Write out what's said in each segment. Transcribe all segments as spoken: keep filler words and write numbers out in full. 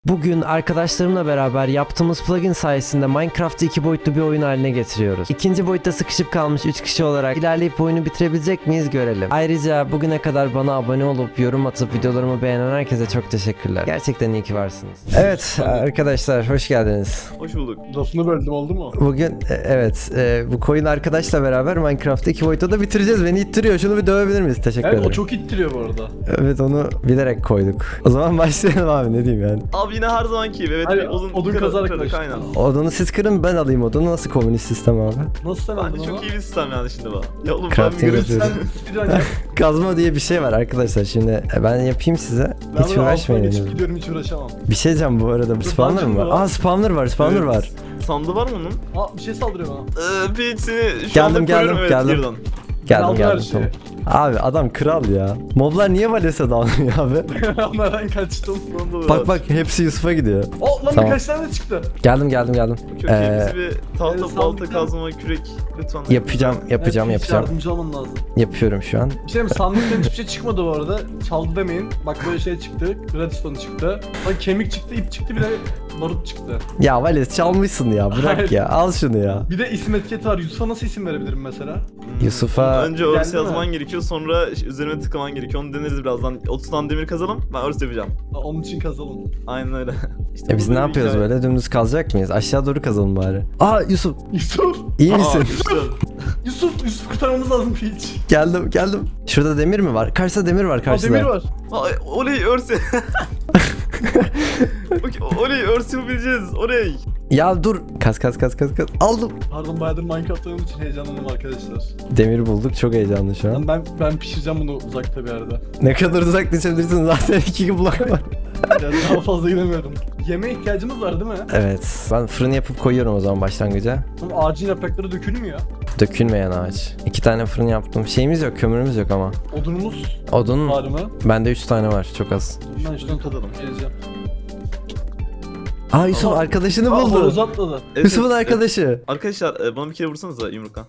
Bugün arkadaşlarımla beraber yaptığımız plugin sayesinde Minecraft'ı iki boyutlu bir oyun haline getiriyoruz. İkinci boyutta sıkışıp kalmış üç kişi olarak ilerleyip oyunu bitirebilecek miyiz görelim. Ayrıca bugüne kadar bana abone olup yorum atıp videolarımı beğenen herkese çok teşekkürler. Gerçekten iyi ki varsınız. Evet arkadaşlar, hoş geldiniz. Hoş bulduk. Lafını böldüm, oldu mu? Bugün e, evet e, bu coin arkadaşla beraber Minecraft'ı iki boyutta da bitireceğiz. Beni ittiriyor. Şunu bir dövebilir miyiz? Teşekkür Evet, ederim. o çok ittiriyor bu arada. Evet, onu bilerek koyduk. O zaman başlayalım abi, ne diyeyim yani. Abi yine her zamanki gibi. Evet, Hayır, bir odun, odun kırık, kazarak kırık, başlayalım. aynen. Odunu siz kırın, ben alayım odunu. Nasıl komünist sistem abi? Nasıl sen aldın Bence onu? çok iyi bir sistem yani şimdi bu. Ya oğlum ben Crafting bir yapıyoruz. Sen speedrun yap. Kazma diye bir şey var arkadaşlar. Şimdi e, ben yapayım size. Ben Hiç bunu altına uğraşmayın. geçip henüz. gidiyorum, hiç uğraşamam. Bir şey diyeceğim bu arada. Spawner mı var? var. Aa, spawner var, spawner Evet. var. sandığı var mı onun? Aa, bir şey saldırıyor bana. Ee, Peach seni şu Geldim, anda geldim, koruyorum, evet, geldim. girdan. Geldim aldım geldim her şeyi. tamam. Abi adam kral ya. Moblar niye Vales'e dalmıyor abi? Onlardan kaçtım. Sonunda da Bak var. bak, hepsi Yusuf'a gidiyor. Oh lan Tamam. birkaç tane çıktı. Geldim geldim geldim. Çok Ee, iyi. Bizi bir tahta, evet, balta, sandıktan- kazma, kürek lütfen. Yapacağım yapacağım Evet, hiç yapacağım. yardımcı olman lazım. Yapıyorum şu an. Bir şey mi? Sandıktan hiçbir şey çıkmadı bu arada. Çaldı demeyin. Bak böyle şey çıktı. Redstone çıktı. Bak kemik çıktı, ip çıktı, bir de barut çıktı. Ya Vales çalmışsın ya, bırak Hayır. ya, al şunu ya. Bir de isim etiketi var. Yusuf'a nasıl isim verebilirim mesela? Hmm. Yusuf'a- Önce Geldi örs mi? yazman gerekiyor, sonra üzerine tıklaman gerekiyor. Onu deneriz birazdan. otuz tane demir kazalım, ben örs yapacağım. Aa, onun için kazalım. Aynen öyle. İşte E biz bu ne bir yapıyoruz hikaye. böyle? Dümdüz kazacak mıyız? Aşağı doğru kazalım bari. Aa Yusuf, Yusuf! iyi Aa, misin? güzel. Yusuf! Yusuf kurtarmamız lazım hiç. Geldim geldim. Şurada demir mi var? Karşıda demir var, Aa, karşıda. demir var. Ay, oley örs. Bak, oley örs yapabileceğiz. Oley. Ya dur. Kaz kaz kaz kaz kaz. Aldım. Pardon, bayağıdır Minecraft oynadığım için heyecanlandım arkadaşlar. Demir bulduk. Çok heyecanlı şu an. Ben ben pişireceğim bunu uzakta bir yerde. Ne kadar uzak düşebilirsin, zaten iki blok var. Yani daha fazla gidemiyorum. Yemeğe ihtiyacımız var değil mi? Evet. Ben fırın yapıp koyuyorum o zaman başlangıca. Ama ağacın yaprakları dökülmüyor. Dökülmeyen ağaç. İki tane fırın yaptım. Şeyimiz yok, kömürümüz yok ama. Odunumuz Odun var mı? bende üç tane var, çok az. Ben şuradan katalım. Geleceğim. Aa Yusuf Aa, arkadaşını Aa, buldu. horoz atladı. Evet, Yusuf'un evet, arkadaşı. evet. Arkadaşlar e, bana bir kere vursanıza yumrukla.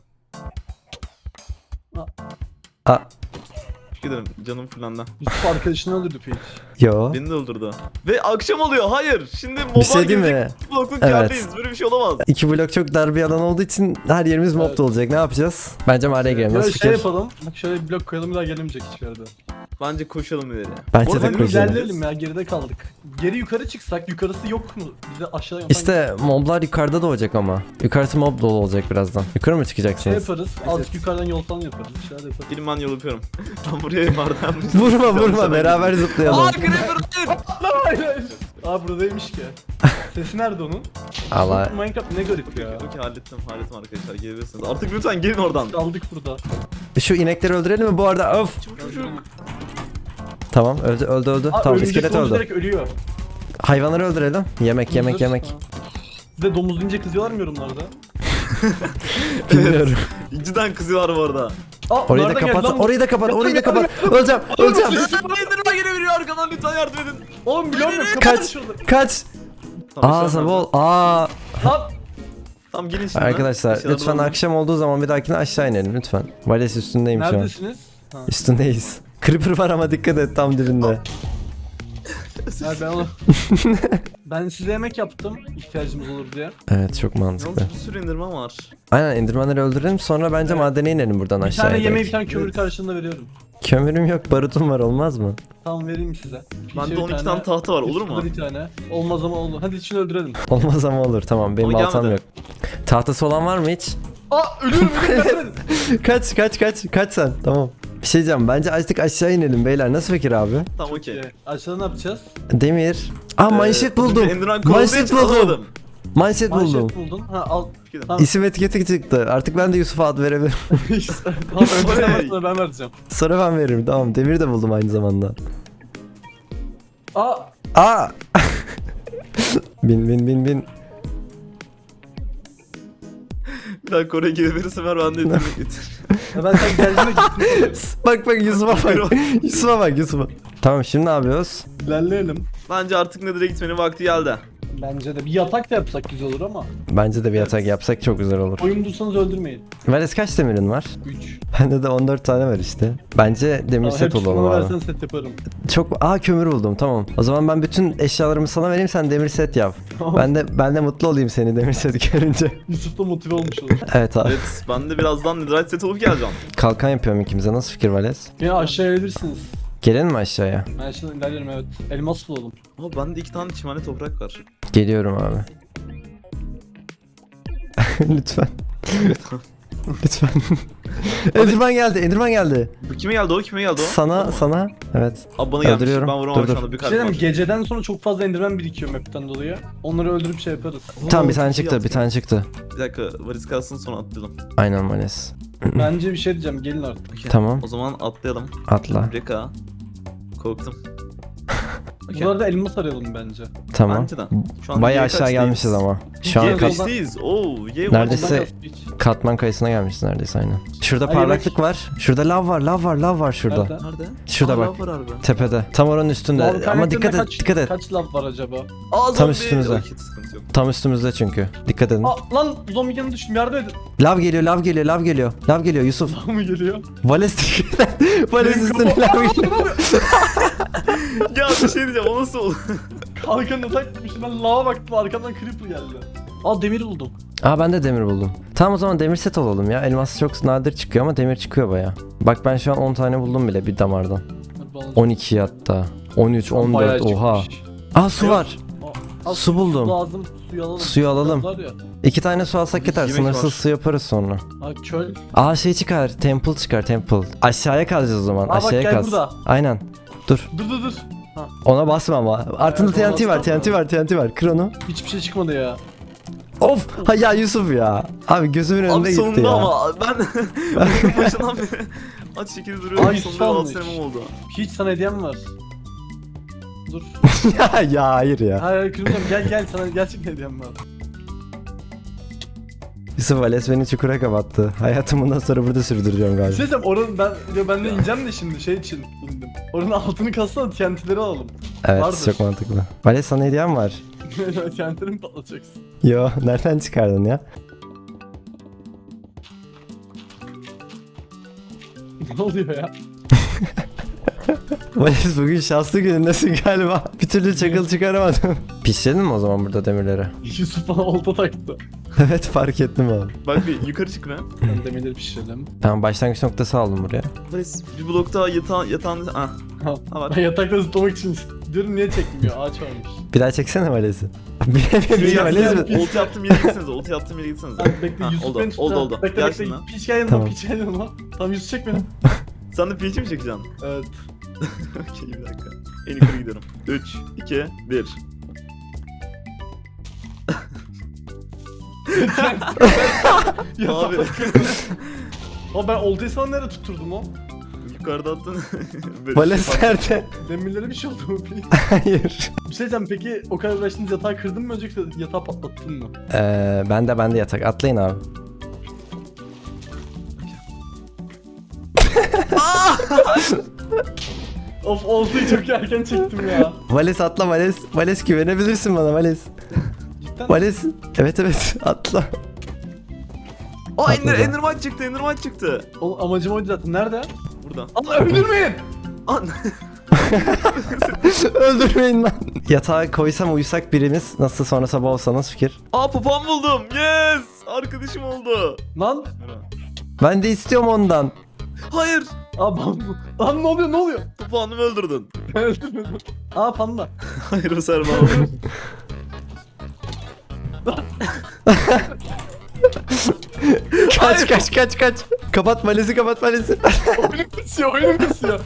Aa Teşekkür ederim, canım fırlandı. Yusuf arkadaşını öldürdü Peach. yo. Beni de öldürdü. Ve akşam oluyor, hayır. Şimdi moba Bir şey değil mi? blokluk Evet. yerdeyiz, böyle bir şey olamaz. İki blok çok dar bir alan olduğu için her yerimiz mob Evet. olacak. Ne yapacağız? Bence mağaraya girelim. Ya Nasıl şey fikir? yapalım. Bak şöyle bir blok koyalım, bir daha gelemeyecek hiçbir yerde. Bence koşalım ileri. Bence Orada de bir koşalım. İlerleyelim ya, geride kaldık. Geri yukarı çıksak, yukarısı yok mu? Bize aşağı yapan İşte moblar yukarıda da olacak ama. Yukarısı mob dolu olacak birazdan. Yukarı mı şey çıkacaksınız? yaparız. Azıcık yukarıdan yol falan yaparız. Bir şeyler yaparız. Gelin ben yol yapıyorum. Ben buraya bardan... Vurma vurma, beraber zıplayalım. Aaa Creeper hayır! Hayır hayır. Aa buradaymış ki. Sesi nerede onun? Allah. Minecraft ne garip ya. Okey, hallettim hallettim arkadaşlar, gelebilirsiniz. Artık lütfen gelin oradan. Kaldık burada. Şu inekleri öldürelim mi bu arada? Of. Çabuk çabuk çabuk. Tamam, öldü öldü öldü. Aa, Tamam, örümcek iskelet domuz öldü. direkt ölüyor. Hayvanları öldürelim. Yemek yemek Domuzlar- yemek. Ha. Size domuz deyince kızıyorlar mı yorumlarda? Bilmiyorum. Cidden kızıyorlar bu arada. Aa, Orayı da nereden geldi kapat. lan bu? Orayı da kapat. Orayı da Yardım, kapat. Öleceğim. Öleceğim. Enderman gelebiliyor arkadan, lütfen yardım edin. Oğlum biliyorum yok. Kaç. Kaç. Tamam, Aa bir şey sabah olmaz. ol. Aa. Lan Tamam gelin şimdi. Arkadaşlar Eşyaları lütfen alalım. akşam olduğu zaman bir dahakine aşağı inelim lütfen. Vales üstündeyim şu an. neredesiniz? Ha. Üstündeyiz. Creeper var ama dikkat et, tam dibinde. Ha, ben onu... ben size yemek yaptım ihtiyacımız olur diye. Evet, çok mantıklı. Yalnız bir sürü enderman var. Aynen, endirmenleri öldürelim, sonra bence Evet. madene inelim buradan Bir aşağıya. tane yemeği bir direkt. tane kömür Evet. karşılığında veriyorum. Kömürüm yok, barutum var, olmaz mı? Tamam vereyim size. Bende Bir on iki tane tahta var, olur mu? Yusuf'ta bir tane. Olmaz ama olur. Hadi içini öldürelim. Olmaz ama olur, tamam, benim Ama baltam gelmedi. yok. Tahtası olan var mı hiç? Aa ölüyorum ölüyorum. Kaç kaç kaç kaç sen, tamam. Bir şey diyeceğim, bence azıcık aşağı inelim beyler, nasıl fikir abi? Tamam okey. Okey. Aşağıda ne yapacağız? Demir. Aa Ee, manşet az önce buldum. Enderman kovaladığı Manşet için buldum. alamadım. Manşet buldum. Manşet buldun. Ha al. Gidin. Tamam. İsim etiketi çıktı. Artık ben de Yusuf'a ad verebilirim. Tamam önce sen Oley. başla, ben vereceğim. Sonra ben veririm, tamam. Demir de buldum aynı zamanda. Aa Aa! bin bin bin bin. Bir dakika oraya gelebilirse ver, ben de yetenek getir. ya ben sen geldiğinde gittim. Bak bak Yusuf'a bak. Yusuf'a bak Yusuf'a. Tamam, şimdi ne yapıyoruz? İlerleyelim. Bence artık Nether'a gitmenin vakti geldi. Bence de bir yatak da yapsak güzel olur ama. Bence de bir yatak yapsak çok güzel olur. Oyun bulsanız öldürmeyin. Vales kaç demirin var? üç. Bende de on dört tane var işte. Bence demir set olalım bana abi. versen set yaparım. Çok aa kömür buldum tamam. O zaman ben bütün eşyalarımı sana vereyim sen demir set yap. Ben de ben de mutlu olayım seni demir set görünce. Yusuf da motive olmuş olur. Evet abi. Evet ben de birazdan netherite set olup geleceğim. Kalkan yapıyorum ikimize. Nasıl fikir Vales? Yine aşağıya gelirsiniz. Gelelim mi aşağıya? Ben şimdi ilerlerim evet. Elmas bulalım. Ama bende iki tane çimene toprak var. Geliyorum abi. Lütfen. Lütfen. Enderman geldi. Enderman geldi. Bu kime geldi o kime geldi o? Sana sana. Evet. Abi bana gelmiş. Öldürüyorum. Ben vuramadım Dur, şu anda bir Bir kalp şey diyeyim var. mi? Geceden sonra çok fazla enderman birikiyor map'ten dolayı. Onları öldürüp şey yaparız. Tamam bir çok tane iyi çıktı. yaptın. Bir tane çıktı. Bir dakika varis kalsın sonra atlayalım. Aynen Vales. Bence bir şey diyeceğim gelin artık. Okey. Tamam. O zaman atlayalım. Atla. Reka. Korktum. Okey. Bu arada elmas arayalım bence. Tamam. Bence de. Şu an Bayağı Y aşağı kaçtayız? gelmişiz ama. Şu an Y Gel, kat, kaç- kaçtayız? Oo, Y Neredeyse- Ondan da hiç- katman kayısına gelmişiz neredeyse aynen. Şurada Ay, parlaklık var. Şurada lav var. Lav var. Lav var şurada. Nerede? Nerede? Şurada Aa, bak. lav var harbi. Tepede. Tam oranın üstünde. Lav Ama kaynaklarında dikkat et. kaç, Dikkat et. Kaç lav var acaba? Aa, Tam zombi. üstümüzde. Okey, sıkıntı yok. Tam üstümüzde çünkü. Dikkat edin. Aa lan zombi yanına düştüm yardım edin. Lav geliyor. Lav geliyor. Lav geliyor. Lav geliyor Yusuf. Lav mı geliyor? Vales dikkat et. Vales Benim üstüne kafam- lav geliyor. Ya bir şey diyeceğim o nasıl oldu? Kalkanına takmışım ben lava baktım arkamdan creeper geldi. Aa demir buldum. Aa ben de demir buldum. Tamam o zaman demir set olalım ya. Elmas çok nadir çıkıyor ama demir çıkıyor baya. Bak ben şu an on tane buldum bile bir damardan. Hadi bakalım. on iki hatta. on üç, on Bayağı dört oha. çıkmış. Aa su var. Aa, Su buldum. Lazım suyu alalım. Suyu alalım. Var ya. İki tane su alsak yeter. Yemek Sınırsız var. su yaparız sonra. Aa çöl. Aa şey çıkar. Temple çıkar temple. Aşağıya kalacağız o zaman. Aa, bak, Aşağıya gel kaz. burada. Aynen. Dur. Dur dur dur. Ona basma ama. Altında Evet, ona T N T var. basma. T N T var. T N T var. Kır onu. Hiçbir şey çıkmadı ya. Of. Ha ya Yusuf ya. Abi gözümün önünde Abi gitti sonunda ya. ama ben oyunun başından beri aç şekilde duruyorum. Ay, Sonunda altı sonmuş. senem oldu. Hiç sana hediyem var. Dur. ya ya hayır ya. Hayır hayır kırmızım gel gel sana gerçekten hediyem var. Yusuf Vales beni çukura kapattı. Hayatımı bundan sonra burada sürdüreceğim Bir galiba. şey diyeceğim oranın ben ya ben de ineceğim de şimdi şey için indim. Oranın altını kassana T N T'leri alalım. Evet vardır. çok mantıklı. Vales sana hediyem var. T N T'leri mi patlatacaksın? Yo nereden çıkardın ya? Ne oluyor ya? Vales bugün şanslı günündesin galiba. Bir türlü çakıl çıkaramadım. Pişirelim mi o zaman burada demirleri? Yusuf bana olta taktı. Evet fark ettim abi. Bak bir yukarı çık be. Ben demirleri pişirelim. Tamam başlangıç noktası aldım buraya. Varis bir blok daha yatağın yatağın ah. Ha. Ha var. Ben yatakta zıplamak için diyorum niye çekmiyor ağaç varmış. Bir daha çeksene Vales'i. Bilemedim ya Vales mi? Oltu yaptığım yere gitsenize. Oltu yaptığım yere gitsenize. Sen bekle Ha, Yusuf oldu, beni tut. oldu, ha. oldu. Bekle Gel bekle. şimdi. Piç gel yanıma Tamam. piç gel yanıma. Tamam Yusuf çek beni. Sen de piçi mi çekeceksin? Evet. Okey bir dakika. En yukarı gidiyorum. üç, iki, bir. Abi Ama ben oltayı sana nereye tutturdum o? yukarıda attın. Böyle Vales şey fark- nerede? Demirlere bir şey oldu mu? Hayır. Bir şey diyeceğim peki o kadar uğraştınız yatağı kırdın mı önce yoksa yatağı patlattın mı? Ee, ben de ben de yatak. Atlayın abi. Of oltayı çok erken çektim ya. Vales atla Vales. Vales güvenebilirsin bana Vales. Cidden. Vales. Evet evet atla. Aa Ender, Atladı. Enderman çıktı, Enderman çıktı. O, amacım oydu zaten. Nerede? Burada. Allah öldürmeyin. An Öldürmeyin lan. Yatağa koysam uyusak birimiz. Nasıl sonra sabah olsanız fikir. Aa papağan buldum. Yes! Arkadaşım oldu. Lan. Ben de istiyorum ondan. Hayır. Aa ben... Lan ne oluyor ne oluyor? Papağanımı öldürdün. Ben öldürmedim. Aa panda. Hayır o serma oldu. Kaç kaç kaç kaç. Kapat Vales'i kapat Vales'i. Oyunum kısıyor oyunum kısıyor.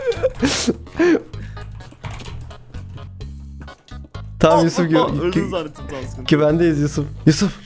Tamam Aa, Yusuf papağan, gü- öldün gü- zannettim tamam sıkıntı. güvendeyiz Yusuf. Yusuf.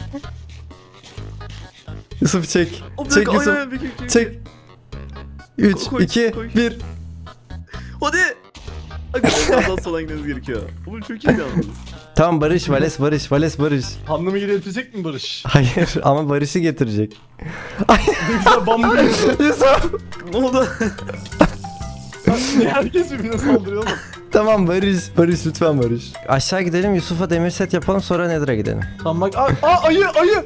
Yusuf çek. O, bir Çek dakika, Yusuf. aynen, aynen, bir- bir- bir- Çek. üç, Koy, iki, koy. bir. Hadi. Arkadaşlar daha sola gitmemiz gerekiyor. Oğlum çok iyi yalnız. Tamam Barış, Vales, Barış, Vales, Barış. Pandamı geri getirecek mi Barış? Hayır ama Barış'ı getirecek. Ne güzel bambu yiyordu. Yusuf. Ne oldu? Niye herkes birbirine saldırıyor oğlum? Tamam Barış. Barış lütfen Barış. Aşağı gidelim Yusuf'a demir set yapalım sonra Nether'a gidelim. Tamam bak. Aa, aa ayı ayı.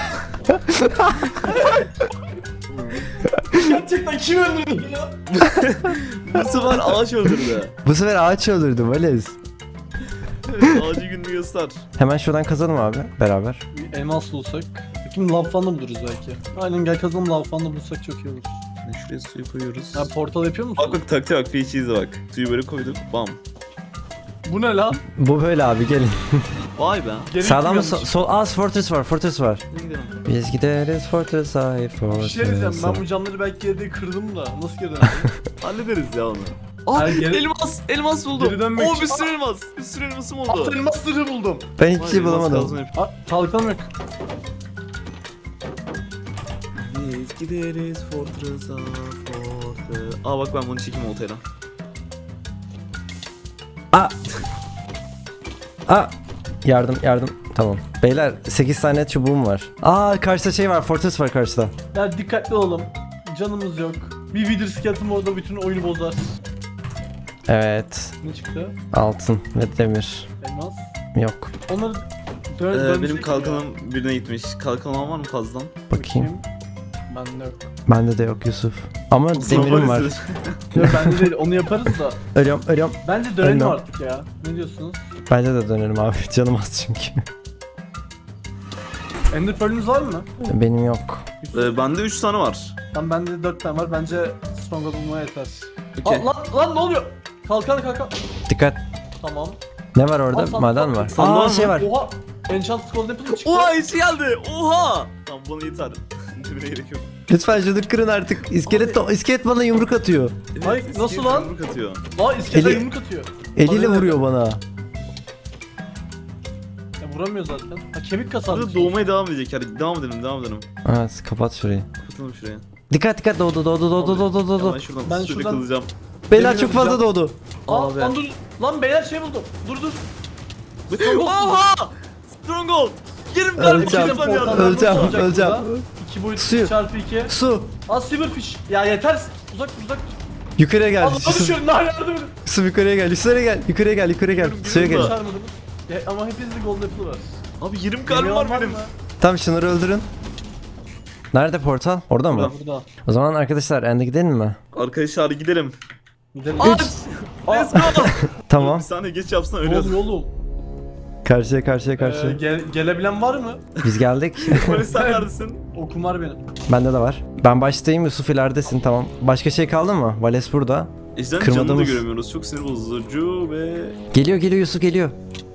Gerçekten kim öldürdü ya? Bu sefer ağaç öldürdü. Bu sefer ağaç öldürdü Vales. Evet, ağacı gününü göster. Hemen şuradan kazalım abi beraber. Bir elmas bulsak. Kim lav falan da buluruz belki. Aynen gel kazalım lav falan da bulsak çok iyi olur. Şuraya suyu koyuyoruz. Ya portal yapıyor musun? Bak bak taktiğe bak, P H'yiz bak. Suyu böyle koyduk, bam. Bu ne lan? Bu böyle abi gelin. Vay be. Geri Sağdan mı gittim sol? sol Aa fortress var fortress var. Ne gidelim? Biz gideriz fortress ay fortress. Bir şey diyeceğim ben bu camları belki yerde kırdım da nasıl geri döneceğim? Hallederiz ya onu. Aa, Hayır, geri- elmas, elmas buldum. Geri dönmek Oo, için- bir sürü elmas. Bir sürü elmasım oldu. Alt elmas sırrı buldum. Ben hiçbir Vay şey be, elmas bulamadım. kazma yap- Aa kalkan yok. Biz gideriz Fortress'a, Fortress. Aa bak ben bunu çekeyim oltayla. Aa. Aa. Yardım yardım. Tamam. Beyler sekiz tane çubuğum var. Aa karşıda şey var fortress var karşıda. Ya dikkatli olalım. Canımız yok. Bir Wither skeleton orada bütün oyunu bozar. Evet. Ne çıktı? Altın ve demir. Elmas. Yok. Onları dön Ee, dönecek benim ya. kalkanım birine gitmiş. Kalkan olan var mı fazladan? Bakayım. Bende yok. Bende de yok Yusuf. Ama demirim var. Yok bende değil onu yaparız da. Ölüyorum ölüyorum. Bence dönelim Ölmem. artık ya. Ne diyorsunuz? Bence de dönerim abi. Canım az çünkü. Ender Pearl'ünüz var mı? Benim yok. Ee, bende üç tane var. Lan bende dört tane var. Bence Strong'a bulmaya yeter. Okey. Aa, lan lan ne oluyor? Kalkan kalkan. Dikkat. Tamam. Ne var orada? Aa, sandık Maden var. var. Sandık var Aa mı? şey var. Oha. Enchanted Golden Apple çıktı. Oha içi geldi. Oha. Tamam bana yeter. Demire gerek yok. Lütfen şunu kırın artık. İskelet, iskelet bana yumruk atıyor. Evet, Ay, iskelet nasıl lan? yumruk atıyor. Aa iskelete Eli- yumruk atıyor. Eliyle Abi, vuruyor bana. Ya vuramıyor zaten. Ha kemik kasar. Burada doğmaya devam edecek. Hadi devam edelim, devam edelim. Evet kapat şurayı. Kapatalım şuraya. Dikkat dikkat doğdu doğdu doğdu doğdu Ya doğdu. ben şuradan Ben ben şuradan- kılacağım. Beyler Demir çok fazla alacağım. doğdu. Aa Abi. lan dur. Lan beyler şey buldum. Dur dur. Oha! Stronghold! Yerim Öleceğim, kardeşim ben ya. öleceğim, Nasıl olacak öleceğim. burada? iki boyut Suyu. çarpı iki. Su. Aa silverfish. Ya yeter. Uzak uzak. Yukarıya gel. Aa Yusuf, düşüyorum. Nah yardım edin. Yusuf yukarıya gel. Yukarıya gel. Yukarıya gel. Yukarıya gel. Yürüm, Suya yürüm gel. bak. Başarmadınız. Ya, ama hepinizde golden apple var. Abi yerim karnım var benim. Tamam şunları öldürün. Nerede portal? Orada mı? Burada. Burada. O zaman arkadaşlar ende gidelim mi? Arkadaşlar gidelim. Gidelim. Aç! Let's go! Tamam. Bir saniye geç yapsana Ne ölüyoruz. oluyor oğlum? Karşıya karşıya karşıya. Ee, gel- gelebilen var mı? Biz geldik. Polis sen neredesin? Okum var benim. Bende de var. Ben baştayım Yusuf ileridesin tamam. Başka şey kaldı mı? Vales burada. Ejder'in canını da Kırmadığımız- göremiyoruz. Çok sinir bozucu ve... Geliyor geliyor Yusuf geliyor.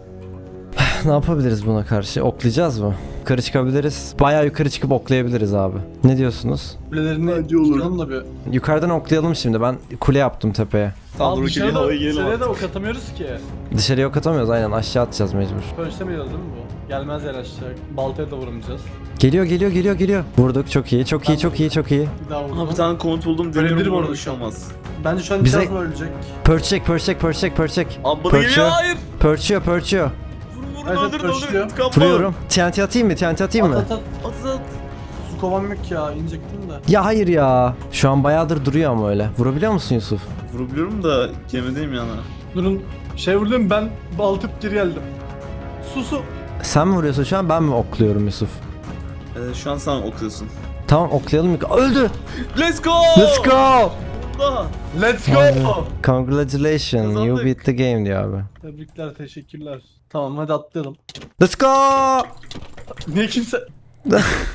Ne yapabiliriz buna karşı? Oklayacağız mı? Yukarı çıkabiliriz. Bayağı yukarı çıkıp oklayabiliriz abi. Ne diyorsunuz? Kulelerini Bence olur. çıkaralım da bir. Yukarıdan oklayalım şimdi. Ben kule yaptım tepeye. Tamam Abi dur dışarıda, gelelim havaya gelelim dışarıya da artık. ok atamıyoruz ki. Dışarıya ok atamıyoruz aynen aşağı atacağız mecbur. Pönçlemiyoruz değil mi bu? Gelmez yer aşağı. Baltaya da vuramayacağız. Geliyor geliyor geliyor geliyor. Vurduk çok iyi çok iyi çok iyi çok iyi. Bir daha vurdum. Aha bir tane komut buldum. Ölebilirim Deniyorum orada orada bir şu şey an. olmaz. Bence şu an Bize- Bize... ölecek. Pörçek pörçek pörçek pörçek. Abi bana Pörçüyor. geliyor hayır. Pörçüyor pörçüyor. Vurun vurun Evet, öldürün pörçüyor. öldürün. İntikam Vuruyorum. T N T atayım mı? T N T atayım At mı? at at. At at. Su kovam yok ya inecektim de. Ya hayır ya. Şu an bayağıdır duruyor ama öyle. Vurabiliyor musun Yusuf? Vurabiliyorum da gemideyim yana. Durun şey vurdum ben baltıp geri geldim. Su su. Sen mi vuruyorsun şu an ben mi okluyorum Yusuf? Ee, şu an sen okuyorsun. Tamam oklayalım. yuk- Öldü. Let's go! Let's go. Daha. Let's go. Abi, Congratulations you Kazandık. beat the game diyor abi. Tebrikler teşekkürler. Tamam hadi atlayalım. Let's go. Niye kimse...